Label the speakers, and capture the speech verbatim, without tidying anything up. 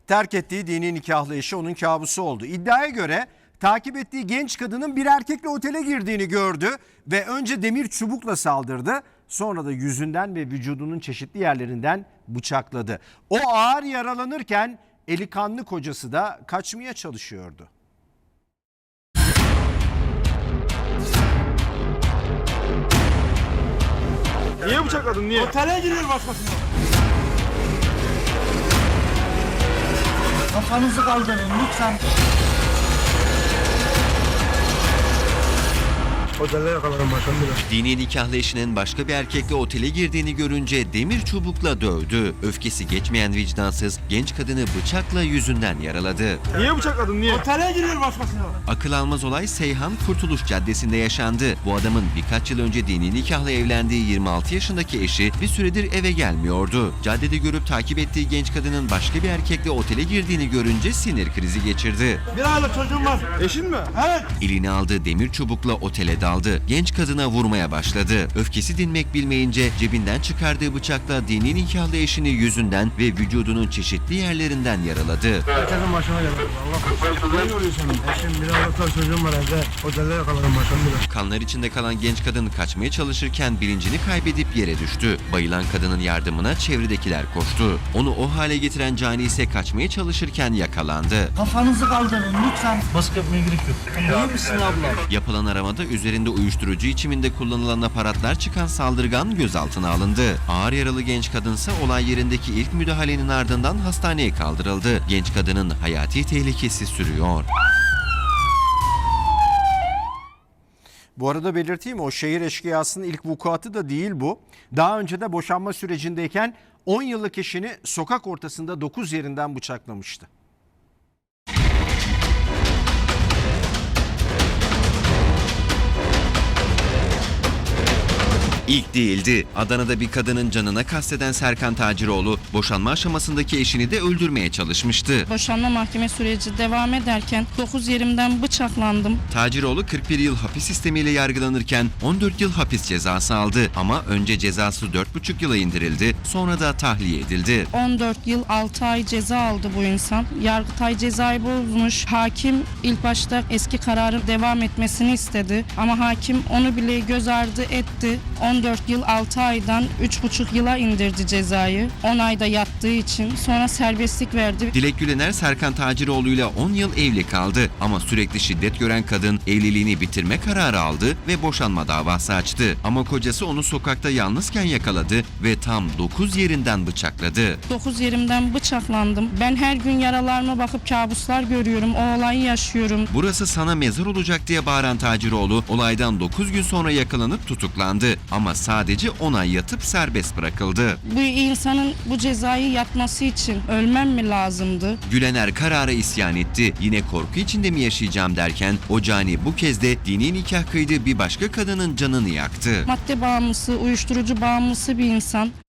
Speaker 1: Terk ettiği dini nikahlı eşi onun kabusu oldu. İddiaya göre takip ettiği genç kadının bir erkekle otele girdiğini gördü ve önce demir çubukla saldırdı. Sonra da yüzünden ve vücudunun çeşitli yerlerinden bıçakladı. O ağır yaralanırken eli kanlı kocası da kaçmaya çalışıyordu.
Speaker 2: Niye bıçakladın, niye?
Speaker 3: Otele giriyor başkasına. Kafanızı kaldırın lütfen.
Speaker 2: Otelde yakalarım başım bile.
Speaker 4: Dini nikahlı eşinin başka bir erkekle otele girdiğini görünce demir çubukla dövdü. Öfkesi geçmeyen vicdansız genç kadını bıçakla yüzünden yaraladı.
Speaker 2: Niye bıçakladın, niye?
Speaker 3: Otele giriyor başkasına.
Speaker 4: Akıl almaz olay Seyhan Kurtuluş Caddesi'nde yaşandı. Bu adamın birkaç yıl önce dini nikahla evlendiği yirmi altı yaşındaki eşi bir süredir eve gelmiyordu. Caddede görüp takip ettiği genç kadının başka bir erkekle otele girdiğini görünce sinir krizi geçirdi.
Speaker 3: Bir aylık çocuğum var.
Speaker 2: Eşin mi?
Speaker 3: Evet.
Speaker 4: Eline aldığı demir çubukla otele daldı. Genç kadına vurmaya başladı. Öfkesi dinmek bilmeyince cebinden çıkardığı bıçakla dini nikahlı eşini yüzünden ve vücudunun çeşitli yerlerinden yaraladı.
Speaker 2: Herkesin başına gelir. Allah korusun. Ne yoruyorsun? Eşim bir aylık çocuğum var evde. Otelde yakalarım başım bile.
Speaker 4: Kanlar içinde kalan genç kadın kaçmaya çalışırken bilincini kaybedip yere düştü. Bayılan kadının yardımına çevredekiler koştu. Onu o hale getiren cani ise kaçmaya çalışırken yakalandı.
Speaker 3: Kafanızı kaldırın lütfen. Baskı yapmaya gerek yok. İyi misin abla?
Speaker 4: Yapılan aramada üzerinde uyuşturucu içiminde kullanılan aparatlar çıkan saldırgan gözaltına alındı. Ağır yaralı genç kadınsa olay yerindeki ilk müdahalenin ardından hastaneye kaldırıldı. Genç kadının hayati tehlikesi sürüyor.
Speaker 1: Bu arada belirteyim, o şehir eşkıyasının ilk vukuatı da değil bu. Daha önce de boşanma sürecindeyken on yıllık eşini sokak ortasında dokuz yerinden bıçaklamıştı.
Speaker 4: İlk değildi. Adana'da bir kadının canına kasteden Serkan Taciroğlu boşanma aşamasındaki eşini de öldürmeye çalışmıştı.
Speaker 5: Boşanma mahkeme süreci devam ederken dokuz yerimden bıçaklandım.
Speaker 4: Taciroğlu kırk bir yıl hapis sistemiyle yargılanırken on dört yıl hapis cezası aldı. Ama önce cezası dört buçuk yıla indirildi, sonra da tahliye edildi.
Speaker 5: on dört yıl altı ay ceza aldı bu insan. Yargıtay cezayı bozmuş. Hakim ilk başta eski kararın devam etmesini istedi. Ama hakim onu bile göz ardı etti. on dört yıl altı aydan üç buçuk yıla indirdi cezayı. on ayda yattığı için sonra serbestlik verdi.
Speaker 4: Dilek Gülener Serkan Taciroğlu ile on yıl evli kaldı. Ama sürekli şiddet gören kadın evliliğini bitirme kararı aldı ve boşanma davası açtı. Ama kocası onu sokakta yalnızken yakaladı ve tam dokuz yerinden bıçakladı.
Speaker 5: dokuz yerimden bıçaklandım. Ben her gün yaralarıma bakıp kabuslar görüyorum. O olayı yaşıyorum.
Speaker 4: Burası sana mezar olacak diye bağıran Taciroğlu olaydan dokuz gün sonra yakalanıp tutuklandı. Ama sadece on ay yatıp serbest bırakıldı.
Speaker 5: Bu insanın bu cezayı yatması için ölmem mi lazımdı?
Speaker 4: Gülener karara isyan etti. Yine korku içinde mi yaşayacağım derken o cani bu kez de dini nikah kıydığı bir başka kadının canını yaktı.
Speaker 5: Madde bağımlısı, uyuşturucu bağımlısı bir insan.